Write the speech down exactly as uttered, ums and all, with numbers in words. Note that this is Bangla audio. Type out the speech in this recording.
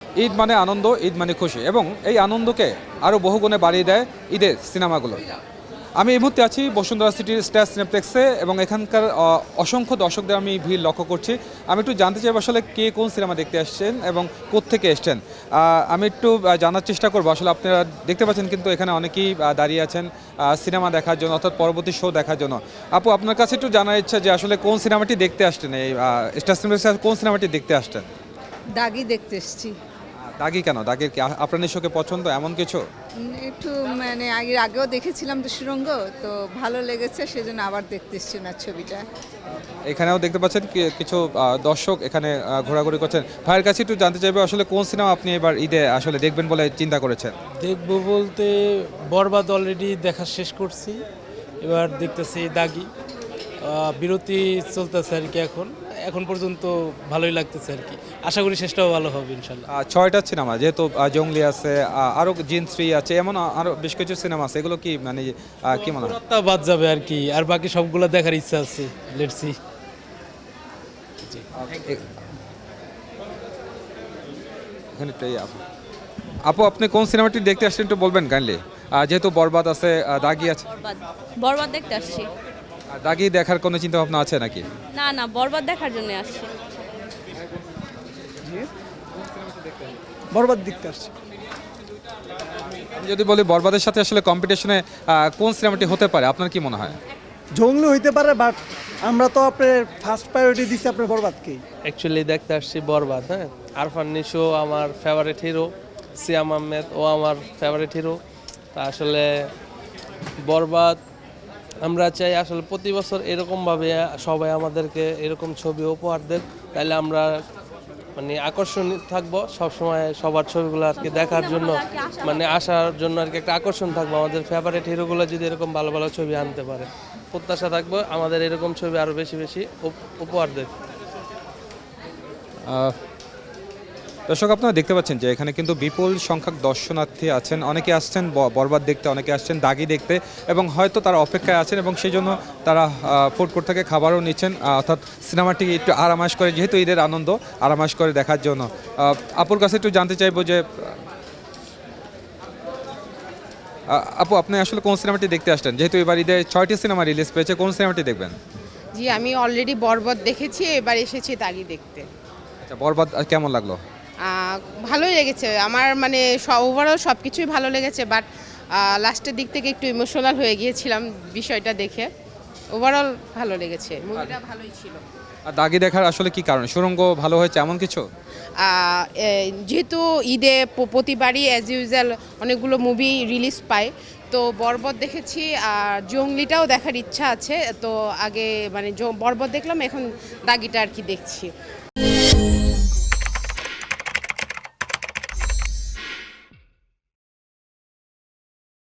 ঈদ মানে আনন্দ, ঈদ মানে খুশি, এবং এই আনন্দকে আরও বহুগুণে বাড়িয়ে দেয় ঈদের সিনেমাগুলো। আমি এই মুহূর্তে আছি বসুন্ধরা সিটির স্টার সিনেপ্লেক্সে, এবং এখানকার আহ, অসংখ্য দর্শকদের আমি ভিড় লক্ষ্য করছি। আমি একটু জানতে চাইব আসলে কে কোন সিনেমা দেখতে আসছেন এবং কোত্থেকে এসছেন। আহ, আমি একটু আহ, জানার চেষ্টা করবো। আসলে আপনারা দেখতে পাচ্ছেন কিন্তু এখানে অনেকেই আহ, দাঁড়িয়ে আছেন আহ, সিনেমা দেখার জন্য, অর্থাৎ পরবর্তী শো দেখার জন্য। আপু, আপনার কাছে একটু জানার ইচ্ছা যে আসলে কোন সিনেমাটি দেখতে আসছেন, এই আহ, স্টার সিনেপ্লেক্সে কোন সিনেমাটি দেখতে আসছেন? দাগি দেখতে এসেছি। দাগি কেন? দাগির কি আ- আপনার নিশ্চয়ই পছন্দ এমন কিছু? উম, একটু মানে আগে আগেও দেখেছিলাম তো সুরঙ্গ, তো ভালো লেগেছে, সেজন্য আবার দেখতে এসেছি না ছবিটা। এখানেও দেখতে পাচ্ছেন কি- কিছু আহ, দর্শক এখানে আহ, ঘোরাঘুরি করছেন। ভাইয়ের কাছে একটু জানতে চাইবে আসলে কোন সিনেমা আপনি এবার ঈদে আসলে দেখবেন বলে চিন্তা করেছেন? দেখবো বলতে বরবাদ অলরেডি দেখা শেষ করছি, এবার দেখতেছি দাগি। আহ, বিরতি চলতেছে আর কি, এখন এখন পর্যন্ত ভালোই লাগতেছে আর কি। আশা করি শেষটাও ভালো হবে ইনশাল্লাহ। আহ, ছয়টা সিনেমা, যেহেতু আহ, জঙ্গলি আছে, আহ, আরো জিন থ্রি আছে, এমন আ- আরো বেশ কিছু সিনেমা আছে, এগুলো কি মানে আহ, কি মনে হয়? পুরাটা বাদ যাবে আর কি, আর বাকি সবগুলো দেখার ইচ্ছা আছে। Let's see. এ- এখানে একটু এই আপু আপু, আপনি কোন সিনেমাটি দেখতে আসছেন একটু বলবেন কাইন্ডলি? যেহেতু বরবাদ আছে, আহ, দাগি আছে। বরবাদ বরবাদ দেখতে আসছি। আর দাগি দেখার কোনো চিন্তা ভাবনা আছে নাকি? না না, বরবাদ দেখার জন্য আসছি। বরবাদ দেখতে আসছি। আমি যদি বলি বরবাদের সাথে আসলে কম্পিটিশনে কোন সিনেমাটি হতে পারে, আপনার কি মনে হয়? জঙ্গলি হইতে পারে, বাট আমরা তো আপনার ফার্স্ট প্রায়োরিটি দিচ্ছি আপনার বরবাদকেই। অ্যাকচুয়ালি দেখতে আসছি বরবাদ। হ্যাঁ, আরফান নিশো আমার ফেভারিট হিরো, সিয়াম আহমেদ ও আমার ফেভারিট হিরো। তা আসলে বরবাদ আমরা চাই আসলে প্রতি বছর এরকমভাবে সবাই আমাদেরকে এরকম ছবি উপহার দেন, তাইলে আমরা মানে আকর্ষণীয় থাকবো সবসময় সবার ছবিগুলো আর কি দেখার জন্য, মানে আসার জন্য আর কি একটা আকর্ষণ থাকবো। আমাদের ফেভারিট হিরোগুলো যদি এরকম ভালো ভালো ছবি আনতে পারে, প্রত্যাশা থাকবো আমাদের এরকম ছবি আরও বেশি বেশি উপ- উপহার দেয়। আহ, দর্শক, আপনারা দেখতে পাচ্ছেন যে এখানে কিন্তু বিপুল সংখ্যক দর্শনার্থী আছেন। অনেকে আসছেন ব- বরবাদ দেখতে, অনেকে আসছেন দাগি দেখতে, এবং হয়তো তারা অপেক্ষায় আছেন, এবং সেই জন্য তারা ফুড কোর্ট থেকে খাবারও নিচ্ছেন, আহ, অর্থাৎ সিনেমাটি একটু আরামাশ করে, যেহেতু ঈদের আনন্দ, আরামাশ করে দেখার জন্য। আহ, আপুর কাছে একটু জানতে চাইবো যে আহ, আপু, আপনি আসলে কোন সিনেমাটি দেখতে আসছেন? যেহেতু এবার ঈদে ছয়টি সিনেমা রিলিজ পেয়েছে, কোন সিনেমাটি দেখবেন? জি, আমি অলরেডি বরবাদ দেখেছি, এবার এসেছি দাগি দেখতে। আচ্ছা, বরবাদ আহ, কেমন লাগলো? আহ, ভালোই লেগেছে আমার, মানে ওভারঅল সব কিছুই ভালো লেগেছে, বাট লাস্টের দিক থেকে একটু ইমোশনাল হয়ে গিয়েছিলাম বিষয়টা দেখে। ওভারঅল ভালো লেগেছে, মুভিটা ভালোই ছিল। আর দাগি দেখার আসলে কি কারণ? সুড়ঙ্গ ভালো হয়েছে এমন কিছু? আহ, এ, যেহেতু ঈদে প- প্রতিবারই অ্যাজ ইউজুয়াল অনেকগুলো মুভি রিলিজ পায়, তো বরবাদ দেখেছি, আর জঙ্গলিটাও দেখার ইচ্ছা আছে। তো আগে মানে জ- বরবাদ দেখলাম, এখন দাগিটা আর কি দেখছি।